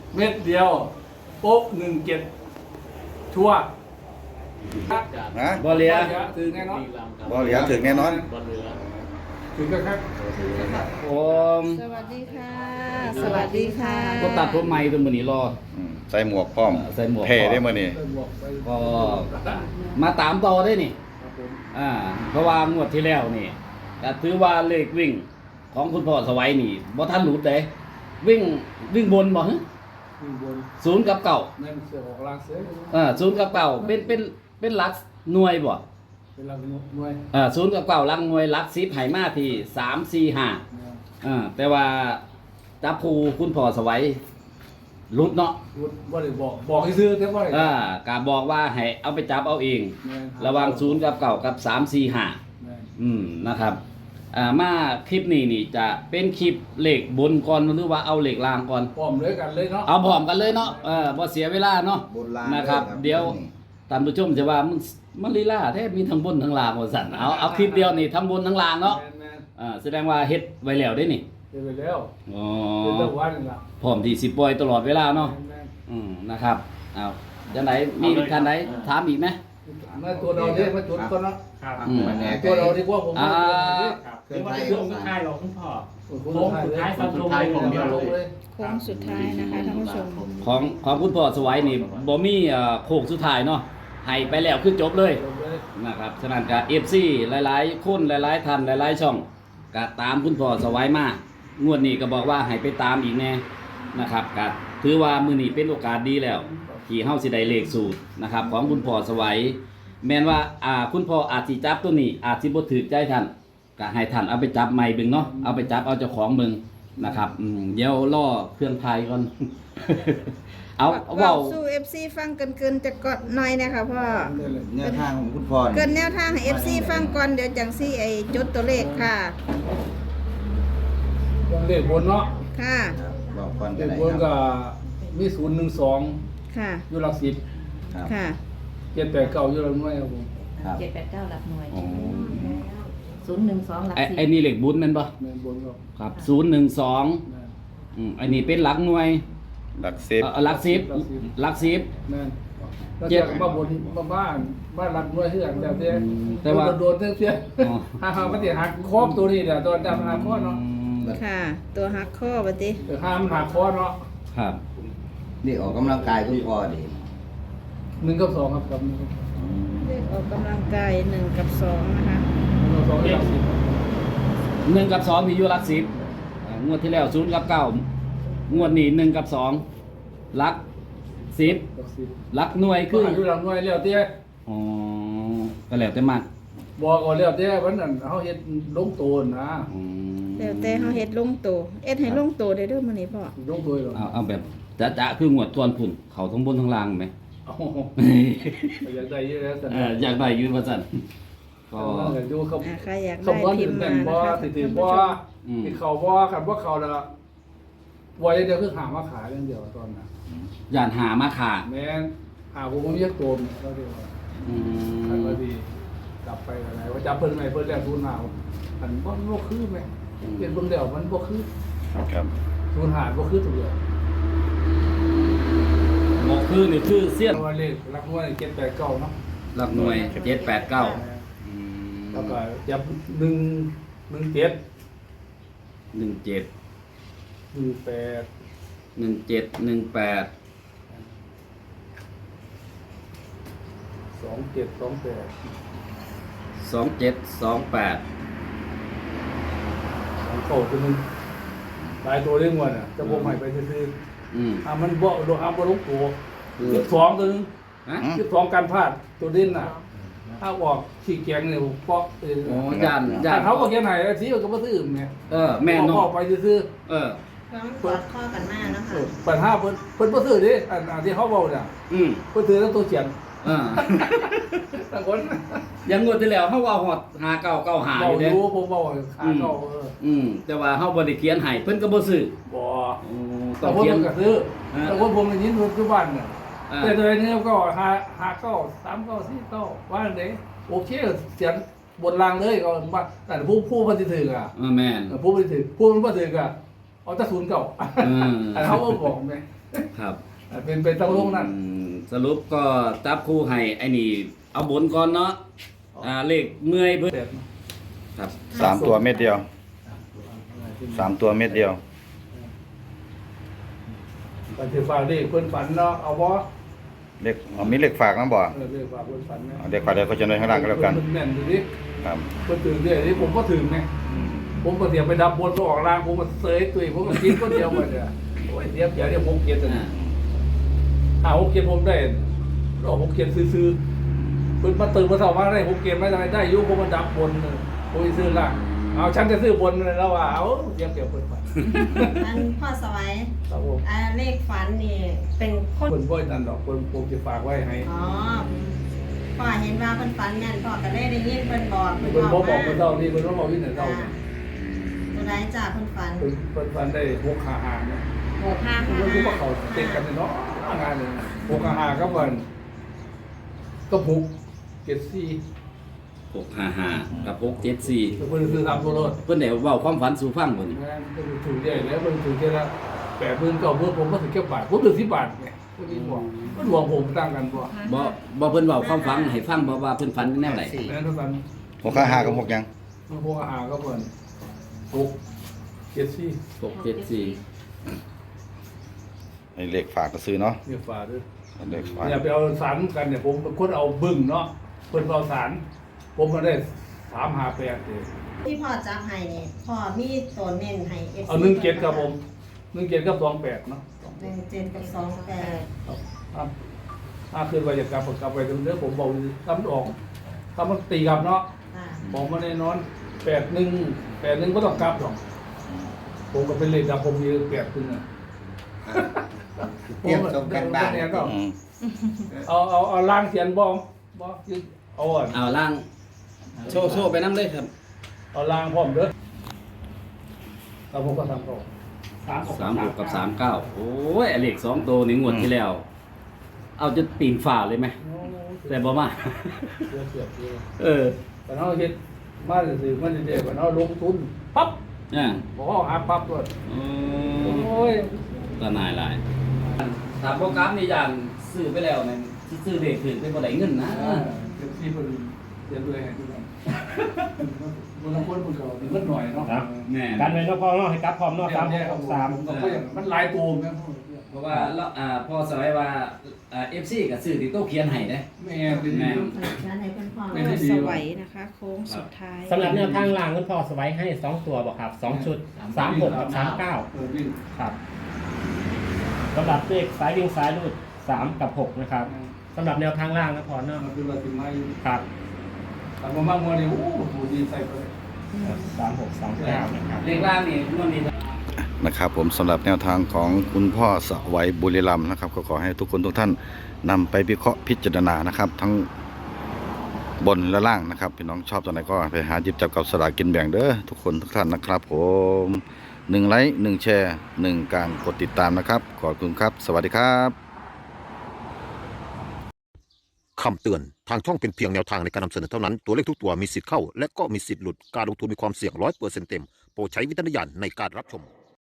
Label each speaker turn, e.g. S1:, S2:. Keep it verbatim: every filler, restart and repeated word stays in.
S1: เม็ดเดียวโป๊กหนึ่งเจ็ดชัวร์
S2: นะ
S3: บ่เหลีย
S1: ถือแน่นอน
S2: บ่เหลียถึงแน่นอน
S1: ถือก็ครับ
S3: ผม
S4: สวัสดีค่ะ สวัสดีค่ะ
S3: ก็ตัดผมใหม่ตัวมื้อนี้รอ
S2: อืมใส่หมวกพร้อม
S3: ใส่หมวก
S2: เท่ได้มื้อนี้
S1: ไปบวกไป
S3: ก็มาตามต่อได้นี่
S1: ครับผม
S3: อ่าเพราะว่างวดที่แล้วนี่ก็ถือว่าเลขวิ่งของคุณพ่อสวัยนี่บ่ทันหลุดเด้วิ่งวิ่งบนบ่ฮะ
S1: ขึ้นบน
S3: ศูนย์กับเก่า
S1: นั่นเสือออกลางเสือ
S3: เออศูนย์กับเก่าเป็นเป็นเป็นหลักหน่วยบ่
S1: เป็นลางหน่วย
S3: เออศูนย์กับเก่าหลักหน่วยหลักสิบให้มาที่สาม สี่ ห้าอ่าแต่ว่าจับภูคุณพ่อสวัยหลุดเนาะ
S1: พูดว่าได้บอกบอกให้ซื้อแต่ว่าได้
S3: อ่ากาบอกว่าให้เอาไปจับเอาเอง
S1: แม่น
S3: ระหวังศูนย์กับเก่ากับสาม สี่ ห้า
S1: แม่น
S3: อืมนะครับอ่ามาคลิปนี้นี่จะเป็นคลิปเหล็กบนก่อนหรือว่าเอาเหล็กล่างก่อน
S1: พร้อมเลยกันเลยเนาะ
S3: เอาพร้อมกันเลยเนาะเออบ่เสียเวลาเนาะ
S2: บนล่าง
S3: นะครับ
S2: เลยครับ
S3: เดี๋ยวท่านผู้ชมจะว่ามึงมันลีลาแท้มีทั้งบนทั้งล่างว่าสั่นเอาเอาคลิปเดียวนี่ทั้งบนทั้งล่างเนาะ
S1: แม่นแม่น
S3: อ่าแสดงว่าเฮ็ดไว้แล้วได้นี่
S1: เดี๋ยวไปแล้ว
S3: อ๋อ
S1: เป็นตะวันนี่ล่ะ
S3: พร้อมที่สิปล่อยตลอดเวลาเนาะ
S1: แม่น
S3: อืมนะครับเอาจังไหนมีท่านใดถามอีกไหม
S1: ๆมาตัวเราเนี่ยมาจุดก่อนเนาะ
S5: ครับ
S3: อืม
S2: แน่
S1: ตัวเราดีกว่าผม
S3: อ่า
S5: ครับคือว่าเป็นช่วงสุดท้ายหรอกคุณพ่อ
S1: โค้
S5: โค้งสุดท้ายฟันธงเลย
S1: ผมเดียวลงเลย
S4: โค้งสุดท้ายนะคะท่านผู้ชม
S3: ของของคุณพ่อสวัยนี่บ่มีเอ่อโค้งสุดท้ายเนาะให้ไปแล้วคือจบเลย
S1: ลงเลย
S3: นะครับฉะนั้นก็ เอฟ ซี หลายๆคนหลายๆท่านหลายๆช่องก็ตามคุณพ่อสวัยมางวดนี้ก็บอกว่าให้ไปตามอีกแน่นะครับก็ถือว่ามื้อนี้เป็นโอกาสดีแล้วที่เฮาสิได้เลขสูตรนะครับของคุณพ่อสวัยแม้นว่าอ่าคุณพ่ออาจสิจับตัวนี้อาจสิบ่ถูกใจท่านก็ให้ท่านเอาไปจับใหม่เบิ่งเนาะเอาไปจับเอาเจ้าของเบิ่งนะครับอืมเดี๋ยวรอเครื่องไทยก่อน เอา
S4: เว้า
S3: เว้า
S4: สู้ เอฟ ซี ฟังเกินๆจะกดหน่อยนะคะพ่อ
S2: แนวทางของคุณพ่อ
S4: เกิ
S2: นี่
S4: นแนวทางให้ เอฟ ซี ฟังก่อนเดี๋ยวจังซี่ไอ้จดตัวเลขค่ะ
S1: ต้องเลขบนเนาะ
S4: ค่ะ
S2: ครับบอกก่อน
S1: เล
S2: ก็
S1: ข
S2: ได้
S1: บน
S2: ค
S1: ก็
S2: รับ
S1: มีศูนย์หนึ่งสอง
S4: ค่ะ
S1: อยู่หลักสิบ
S2: ครับ
S4: ค่ะ
S1: เจ็ดแปดเก้าอยู่หลักหน่วยครับผม
S2: ครับ
S6: เจ็ดแปดเก้าหลักหน่วย
S3: อ๋อ
S6: ศูนย์หนึ่งสองหลัก
S3: ไอ้
S6: สิบ
S3: ไอ้นี่เลขบุญแม่นบ่
S1: แม่นบนก็
S3: ครับศูนย์หนึ่งสอง
S1: แม่น
S3: อืมอันนี้เป็นหลักหน่วย
S2: หลักสิบ
S3: เอ่อหลักสิบหลักสิบ
S1: แม่นแล้ว
S3: เจ็ด
S1: จากมาบนมาบ้านบ้านหลักหน่วยเฮือนแต่เตี้ย
S3: อืมแต่ว่า
S1: โดนๆเตี้ย
S3: อ๋อ
S1: ๆห้าๆมันสิหักครอบตัวนี้เดี๋ยวตอนดำหักคอเนาะ
S4: ค่ะ ตัวฮักข้อบัดนี้
S1: เดี๋ยวห้ามนหักคอเนาะ
S3: ครับ
S2: นี่ออกกำลังกายคุณพ่อดิ
S1: หนึ่งกับสองครับกับหนึ่งกับ
S4: เลขออกกำลังกายหนึ่งกับสองนะคะ
S1: สองหลักสิบ
S3: หนึ่งกับสองมีอยู่หลักสิบอ่างวดที่แล้วศูนย์กับเก้างวดนี้หนึ่งกับสองหลักสิบ
S1: หลักสิบ
S3: หลักหน่วย
S1: คื
S3: คือ อ
S1: อยู่หลักหน่วยแล้วเตี้ย
S3: อ๋อก็แล้วแต่มาก
S1: บอกก่อนแล้วเตี้ยวันนั้นเฮาเฮ็ดลงโตนนะ
S3: อืม
S4: แล้วแต่เฮาเฮ็ดลงโตเอ็ดให้ลงโตได้เด้อมื้อนี้พ่อ
S1: ลงโตยหรอ
S3: เอาเอาแบบจะจะคืองวดทวนพุ่นเขาทั้งบนทั้งล่างไหม
S1: โอ้โหอยากได้เยอะแล้วสัน
S3: เอออยากได้ยืนว่าสั่นก็
S1: ก็ดูเขา
S4: อ่าใครอยาก
S1: เขา
S4: ได้
S1: บ่
S4: พิ
S1: ถึ
S4: ม
S1: ง
S4: พ์
S1: แม่
S4: มาน
S1: บ่
S4: นะคะ
S1: สิถือ
S4: ท่าน
S1: บ่
S4: ผู้ชม
S3: อืม
S1: ที่เขาบ่คันบ่เขาละบ่อย่างเดียวคือหามาขายอย่างเดียวตอนน่ะ
S3: ย่านหามาขา
S1: แม่นหาผมบ่มีจักโตมก็เดียว
S3: อื
S1: อัน
S3: ม
S1: ก็ดีกลับไปอะไรว่าจับเพิ่นใหม่เพิ่นแล้วทุนหาอันบ่บ่คือแม่เฮ็ดเบิ่งแล้วมันบ่คือ
S2: ครับ
S1: ทุนหาบ่คือตัวเดียว
S3: บอกคือนี่คือเสี้ยน
S1: ว่าเลขหลักหน่วยเจ็ดแปดเก้าเนาะ
S3: หลักหน่วยเจ็ดแปดเก้า
S1: แล้วก็จับหนึ่งหนึ่งเจ็ด
S3: หนึ่งเจ็ด
S1: หนึ่งแปด
S3: หนึ่งเจ็ดหนึ่งแปด
S1: สองเจ็ดสองแปด
S3: สองเจ็ดสองแปด
S1: สองเก้าตัวหนึงหลายตัวเรื่องวันอ่ะจะบ่ใหม่ไปซื้อ
S3: อืม
S1: ๆอ่ามันบ่โดนอ่าบ่ลงตัวสิบสองตัวหนึง
S3: ฮะ
S1: สิบสองการพลาดตัวเด่นน่ะถ้าออกขี้แกงเนี่ยเพราะเออ
S3: โอ้ย่านย่า
S1: ถ้าน เขาบอกแค่ไหนแล้วสิมันก็บ่ซื้ออื่นไง
S3: เออแม่น
S1: อ
S3: เนาะ
S1: อกไปซื้อ
S3: เออ
S6: ต้องกอดข้อกันมากนะ
S1: ๆเอ
S6: คะ
S1: อปัญหาเพิ่นเพิ่นบ่ซื้อดิอันอันที่เขาเว้าเนี่ย
S3: อืม
S1: เพิ่นซื้อทั้งตัวเขียน
S3: เออ
S1: ทั้งคน
S3: อยังงวดที่แล้วเฮาว่าฮอดหาเก้าเก้าหาอ
S1: เว้า
S3: ยู่
S1: อ
S3: เด้
S1: ยู่ผมเว้าขาเก่าเออ
S3: อืมแต่ว่าเฮาบ่ได้เขียนให้เพิ่นก็บ่ซื้อ
S1: บ่
S3: โอ้ต้
S1: แต่
S3: อง
S1: ว่า
S3: เขียน
S1: มันก็ซื้อ
S3: ฮะ
S1: แต่ว่าผมได้ยินปัจจุบันเนี่ย
S3: อ่า
S1: แต่ตัวนี้ก็หาหาเก้าสามเก้าสี่เก้าว่าอันไหนโอเคเสียงบนรางเลยก็ว่าแต่ผู้ผู้มันสิถืออ่ะ
S3: เออแม่น
S1: ผู้มันสิถือผู้มันบ่ถืออ่ะเอาแต่ศูนย์เก่า
S3: อืม
S1: อันเขาก็บอกแม่
S3: ครับ
S1: เป็นไปต้องลงนั่น
S3: อืมสรุปก็จับคู่ให้ไอ้นี่เอาบนก่อนเนาะอ่าเลขเมื่อยเพิ่น
S1: แบบ
S3: ครับ
S2: สามตัวเม็ดเดียวสามตัวเม็ดเดียว
S1: ก็ถือฝากเลขเพิ่นฝันเนาะเอาบ่
S2: เลขอ๋อมีเลขฝากนะบ่
S1: เออเลขฝากเพิ่นฝันนะ
S2: เอาเลขฝากเดี๋ยวเขาจะในข้างล่างก็แล้วกัน
S1: เพิ่นแม่นดูดิ
S2: ครับ
S1: เพิ่นถึงเด้นี่ผมก็ถึงไงผมก็เสียไปดับบนก็ออกล่างผมก็เสยตุ้ยผมก็กินคนเดียวหมดเลยโอ้ยเสียเสียเดี๋ยวผมเกียรติ
S3: อ่า
S1: ถ้าผมเกียรติผมได้ก็ผมเกียรติซื้อๆเพิ่นมาตื่นมาเช้ามาได้ผมเกียรติไม่ได้ได้อยู่ผมมาดับบนผมสิซื้อล่างเอาฉันจะซื้อบนเลยแล้วว่าเอาเสียเปรียบเพิ่นไป
S6: อันพ่อสวัย
S1: ครับผม
S6: อ่าเลขฝันนี่เป็นคน
S1: เพิ่นบ่นั่นดอกเพิ่นผมจะฝากไว้ให้
S6: อ๋อพ่อเห็นว่าเพิ่นฝันนั่นพ่อก็ได้ได้ยินเพิ่นบอก
S1: เพิ่นบ่บอกเพิ่นเท่านี้เพิ่นบ่บอกที่ไหนเท่า
S6: อ่าตัวใดจ้าเพิ่นฝัน
S1: เพิ่นเพิ่นฝันได้หกขาหางเนี่ย
S6: หกห้า
S1: เพิ่
S6: ห้าน
S1: รู้ว่าเขาติดกันเนาะงานเลยหกขาหางก็เพิ่นก็บุกเจ็ดสี่
S3: หกห้าห้ากับหกเจ็ดสี่
S1: เพิ่นซื้อตามตัวรถ
S3: เพิ่นได้เว้าความฝันสู่ฟังบ่นี่
S1: งานเพิ่นถูกใหญ่แล้วเพิ่นถูกแค่ละแปดหมื่นเก้าหมื่นผมก็ถึงแค่บาทผมถึงสิบบาทไงเพิ่นบอกเพิ่นบอกผมตั้งกันบ่
S3: บ่บ่เพิ่นเว้าความฝันให้ฟังบ่ว่าเพิ่นฝันแนวใด
S1: แม่นเท่ากัน
S2: หกห้าห้ากับหกยัง
S1: หกขาหางก็เพิ่นหกเจ็ดสี่
S3: หกเจ็ดสี่
S2: ไอ้เลขฝากก็ซื้อเนาะ
S1: เนี่ยฝาด้วย
S2: เลขฝาก
S1: อย่าไปเอาสารกันเนี่ยผมเป็นคนเอาบึ้งเนาะเพิ่นเอาสารผมมาได้สามหาแปดเลย
S6: ที่พ่อจับให้นี่พ่อมีตัวเน้นให้ เอฟ
S1: เอาหนึ่งเจ็ดครับผมหนึ่งเจ็ดกับสองแปดเนาะ
S6: หนึ่งเจ็ดกับสองแปด
S1: ครับครับถ้าคืนไปจะกลับก็กลับไปเรื่อยๆผมบอกทำออกทำมันตีกลับเนาะ
S6: อ่า
S1: บอกมาแน่นอนแปดหนึ่งแปดหนึ่งก็ต้องกลับหรอกผมก็เป็นเลขดับผมมีแปดหนึ่งอ่ะ
S2: เตรียมส่งกันบ้าน
S1: ก็
S2: อืม
S1: เอาเอาเอาล่างเสียนบอมบอคือเอาอ่อน
S3: เอาล่างโชว์โชว์ไปนำเลยครับ
S1: เอาล่างพร้อมเด้อแล้วผมก็ทำเขา
S5: สามหก
S3: สามหกกับสามเก้าโอ้ยไอ้เลขสองตัวนี่งวดที่แล้ว เอาจะปีนฝ่าเลยไหมแต่บ่มา
S1: เสียเสียเสีย
S3: เออ
S1: แต่เขาเฮ็ดมาสื่อๆมันเด็กๆว่าเขาลงทุนปั๊บ
S3: อ่า
S1: บอกว่าหาปั๊บด้วย
S3: โอ้
S1: โอ้ย
S3: ตาหนายหลายถามโปรแกรมนี่อย่างซื้อไปแล้วเนี่ยสิซื้อเลขถึงเป็นบ่ได้เงินนะ
S1: เดี๋ยวที่เพิ่นเดี๋ยวด้วยให้ทุกคนมันต้องคนมันก็เงินหน่อยเนาะ
S5: ครับ
S3: แม่
S5: กันไว้เนาะพ่อเนาะให้กลับพร้อมเนาะสามหกหกสาม
S1: ผมก็อย่างมันหลายตัวนะ
S3: เพราะว่าเราอ่าพอสมัยว่าอ่า เอฟ ซี ก็ซื้อที่โต๊ะเขียนให้เด้
S1: แม่เป็น
S3: แม่
S6: งั้นให้เพิ่นพ่อ
S1: ไม่ได้ดี
S4: สวัยนะคะ โค้งสุดท้าย
S5: สำหรับแนวทางล่างคุณพ่อสไว้ให้สองตัวบอกครับสองชุดสามหกกับสามเก้า
S1: เออวิ่ง
S5: ครับสำหรับเลขสายวิ่งสายรูดสามกับหกนะครับสำหรับแนวทางล่างนะพ่อเนาะ
S1: มันคือว่าถึงไม้
S5: ครับ
S1: ทำมามากมัวนี่โอ้โหดีใส่ไป
S5: สามหกสามเก้านะครับ
S3: เลขล่างนี่งวดนี้
S2: นะครับผมสำหรับแนวทางของคุณพ่อสวัยบุรีรัมย์นะครับก็ขอให้ทุกคนทุกท่านนำไปวิเคราะห์พิจารณานะครับ ทั้งบนและล่างนะครับพี่น้องชอบตัวไหนก็ไปหาหยิบจับกับสลากกินแบ่งเด้อทุกคนทุกท่านนะครับผมหนึ่งไลค์หนึ่งแชร์หนึ่งการกดติดตามนะครับขอบคุณครับ สวัสดีครับ
S7: คำเตือน ทางช่องเป็นเพียงแนวทางในการนำเสนอเท่านั้น ตัวเลขทุกตัวมีสิทธิ์เข้า และก็มีสิทธิ์หลุด การลงทุนมีความเสี่ยงร้อยเปอร์เซ็นต์เต็ม โปรดใช้วิจารณญาณในการรับชม